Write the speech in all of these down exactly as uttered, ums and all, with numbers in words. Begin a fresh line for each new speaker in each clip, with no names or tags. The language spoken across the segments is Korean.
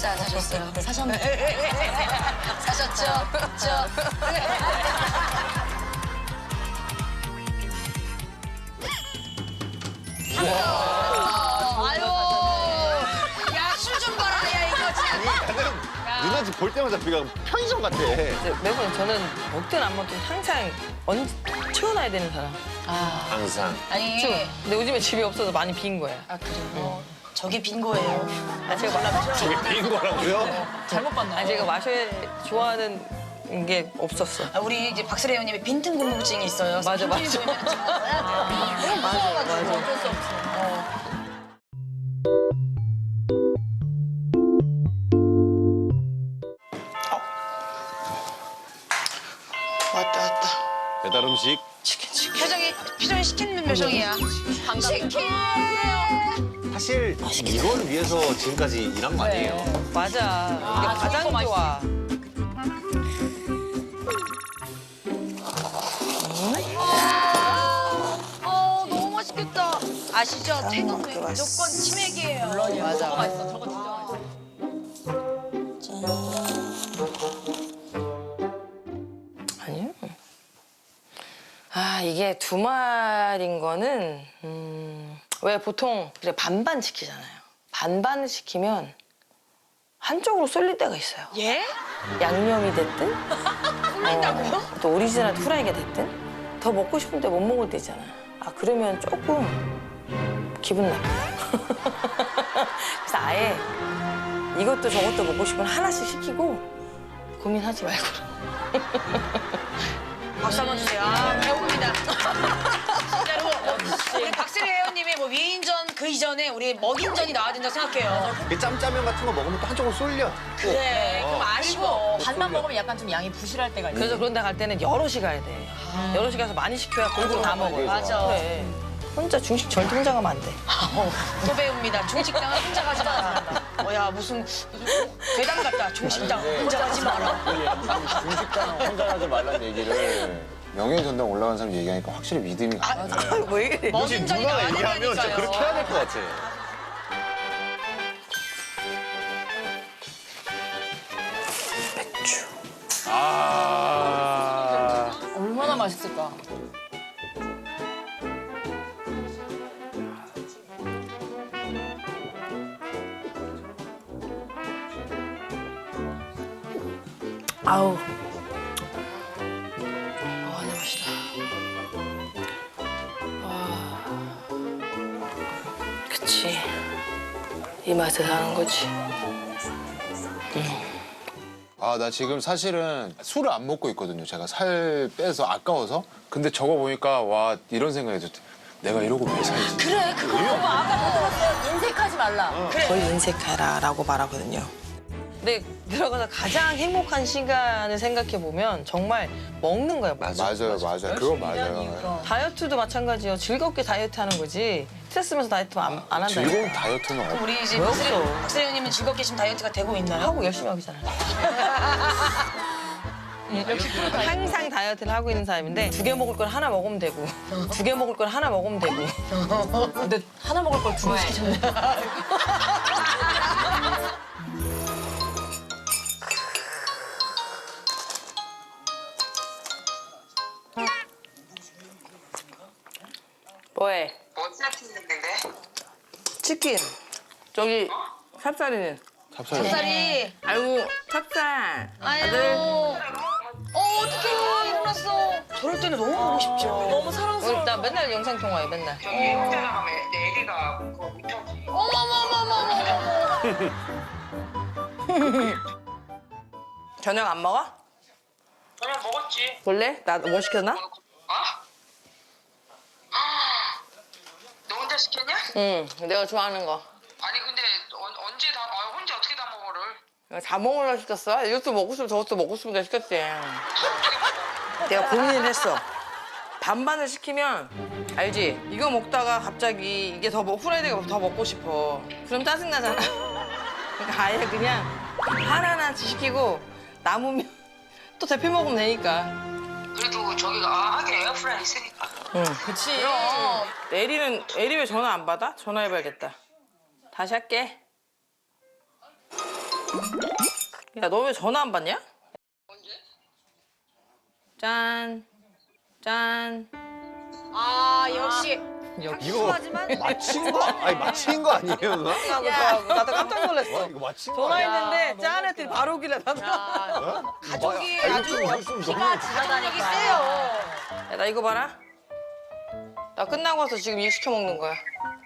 사셨어요, 안 사셨어요? 사셨네. 사셨죠? 그렇죠? 아유, 야, 술 좀 봐라, 야, 이거 참.
누나 집 볼 때마다 비가 편의점 같아.
매번 저는 먹든 안 먹든 항상 언 채워놔야 되는 사람.
아,
항상.
아니.
근데 요즘에 집이 없어서 많이 빈 거야.
아, 그래요? 저게 빈 거예요.
아, 제가 마,
저게 빈 거라고요?
잘못 봤나?
아, 제가 마셔야 좋아하는 게 없었어.
아, 우리 이제 박슬혜 의원님이 빈틈 궁금증이 있어요.
맞아, 맞아.
빈틈이 보이면 좀 먹어야 돼요.
맞아, 맞아.
어쩔 수 없어. 어.
왔다 왔다.
배달 음식.
치킨 치킨.
표정이, 표정이 시키는 표정이야. 치킨!
사실 이걸 위해서 지금까지 일한 거 아니에요?
맞아. 이게 가장 좋아.
어, 너무 맛있겠다. 아시죠? 태국은 무조건 치맥이에요. 물론이야.
맞아.
저거 맛있어. 저거 진짜 맛있어.
아니요. 아, 이게 두 마리인 거는, 음, 왜 보통 그래 반반 시키잖아요. 반반을 시키면 한쪽으로 쏠릴 때가 있어요.
예?
양념이 됐든,
쏠린다고요?
어, 또 오리지널 후라이가 됐든, 더 먹고 싶은데 못 먹을 때 있잖아요. 아, 그러면 조금 기분 나빠요. 그래서 아예 이것도 저것도 먹고 싶으면 하나씩 시키고 고민하지 말고.
박수 한번 주세요. 아, 배웁니다. 진짜로. 우리 박슬혜 회원님의 뭐 위인전 그 이전에 우리 먹인전이 나와야 된다고 생각해요.
이 짬짜면 같은 거 먹으면 또 한쪽으로 쏠려.
그래, 좀 아쉬워.
반만 먹으면 약간 좀 양이 부실할 때가 있어.
그래서 그런 데 갈 때는 여럿이 가야 돼. 여럿이 가서 많이 시켜야 골고루 다 먹어요.
맞아.
그래. 혼자 중식 절대 혼자 가면 안 돼.
또 배웁니다. 중식당은 혼자 가지 마라. 뭐야, 무슨 괴담 같다. 중식당 혼자 가지 마라.
중식당 혼자 가지 말라는 얘기를 명예전당 올라간 사람 얘기하니까 확실히 믿음이 가.
아, 왜 이래?
먹인전이
누나가
나와야
얘기하면 진짜
된다니까요.
그렇게 해야 될 것 같아.
맥주.
아.
얼마나 맛있을까.
아우. 아, 내 맛이다. 아. 그치. 이 맛에 사는 거지.
아, 나 지금 사실은 술을 안 먹고 있거든요. 제가 살 빼서 아까워서. 근데 저거 보니까 와 이런 생각이 들었대. 내가 이러고 왜 살지?
그래, 그거 봐봐. 아까
들었어요. 인색하지 말라.
거의 인색해라라고 말하거든요. 근데 들어가서 가장 행복한 시간을 생각해 보면 정말 먹는 거예요.
맞아요, 맞아요. 그건 맞아요.
다이어트도 마찬가지예요. 즐겁게 다이어트 하는 거지. 스트레스면서 다이어트 안, 안 한다.
즐거운 다이어트는 없.
우리 이제
왜
박슬혜,
없어?
박슬혜 의원님은 즐겁게 지금 다이어트가 되고 있나요?
하고 열심히 하고 있잖아요. 항상 다이어트를 하고 있는 사람인데 두 개 먹을 걸 하나 먹으면 되고 두 개 먹을 걸 하나 먹으면 되고.
근데 하나 먹을 걸 두 개 시키셨네.
뭐해?
뭐 세팅했는데?
치킨. 저기 찹쌀이는.
찹쌀.
쌀이.
아이고 찹쌀.
아유. 어, 어떡해. 일어났어. 저럴 때는 너무 보고 싶죠.
너무 사랑스러워.
어, 나 맨날 영상 통화해 맨날.
저기 혼자 나가면 내 애기가 그거 못하지.
어머머머머머.
저녁 안 먹어?
저녁 먹었지?
볼래? 나 뭐 시켰나?
어? 너 혼자 시켰냐?
응, 내가 좋아하는 거.
아니 근데 언, 언제 다 아, 혼자 어떻게 다 먹어를?
다 먹으려 시켰어? 이것도 먹고 싶으면 저것도 먹고 싶으니까 시켰지. 내가 고민을 했어. 반반을 시키면 알지? 이거 먹다가 갑자기 이게 더 먹, 후라이드가 더 먹고 싶어. 그럼 짜증나잖아. 그러니까 아예 그냥 하나하나씩 시키고 남으면 또 데펴 먹으면 되니까.
그래도 저기가 아, 하긴 에어프라이 있으니까.
응.
그치.
에리는, 에리 왜 전화 안 받아? 전화해봐야겠다. 다시 할게. 야, 너 왜 전화 안 받냐?
언제?
짠. 짠.
아 역시
이거 맞힌 거 아니 맞힌 거 아니에요 누나?
나도 깜짝 놀랐어.
와 이거 맞힌 거 아니야?
전화했는데 짠 했더니 바로 오길래 나도.
가족이
아, 이거
아주
좀, 이거 좀 너무
피가 지나다니기 세요.
야, 나 이거 봐라. 나 끝나고 와서 지금 일 시켜 먹는 거야.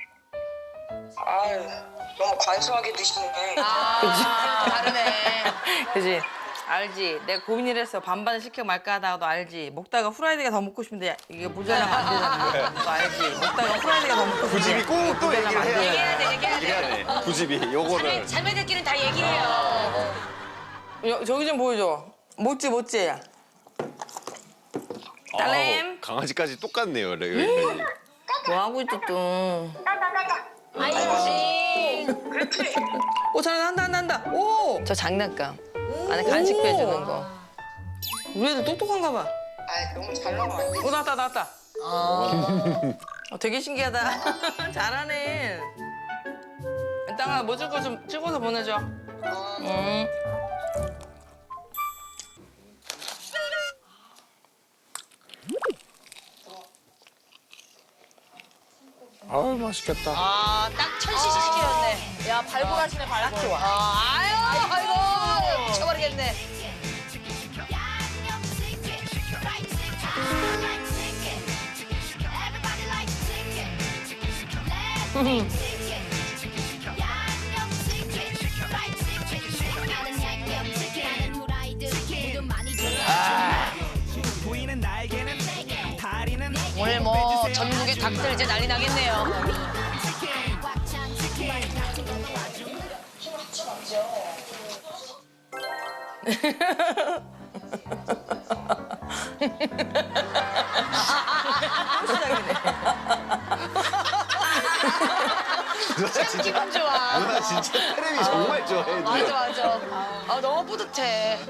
아유, 너무 간소하게 드시네.
아 다르네.
그지? 알지? 내가 고민을 했어. 반반을 시켜 말까 하다가 너 알지? 먹다가 후라이드가 더 먹고 싶은데 이게 모자라면 안 되잖아. 너 알지? 먹다가 후라이드가 더 먹고 싶은데
구집이 꼭 또 얘기를 해야 돼.
얘기해야 돼 얘기해야 돼.
얘기해야 돼. 구집이 요거를.
자매들끼리는 다 얘기해요.
야, 저기 좀 보여줘. 못지 못지. 딸램.
아우, 강아지까지 똑같네요. 레- 레-
뭐 하고 있지 또?
아이고.
오 잘한다 한다 한다. 오. 저 장난감. 안에 간식 빼주는 거. 우리 애들 똑똑한가 봐.
아, 너무 잘 나오면 안 돼.
오 나왔다 나왔다. 어, 되게 신기하다. 잘하네. 땅아 뭐 줄 거 좀 찍어서 보내줘. 응.
아우 맛있겠다.
아딱 천시시 시키셨네.
야 발굴하시네 발굴. 좋아.
아, 아유 아이고 미쳐버리겠네. 오늘 뭐 전국의 닭들 이제 난리 나겠네요.
누나 진짜
기분 좋아.
누나 진짜 테레비 정말 좋아해. 누나.
맞아 맞아. 아 너무 뿌듯해.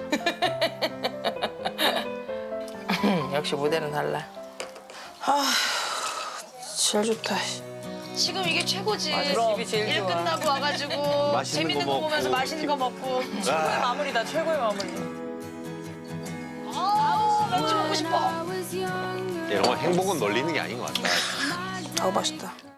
역시 무대는 달라. 아, 제일 좋다.
지금 이게 최고지.
맞아, 집이 제일
일
좋아.
끝나고 와가지고
맛있는
재밌는
거
거 보면서
먹고.
맛있는 거 먹고.
아,
마무리다 최고의 마무리.
아우 맥주 먹고 싶어.
이런 거 행복은 널리는 게 아닌 것 같다.
아우 맛있다.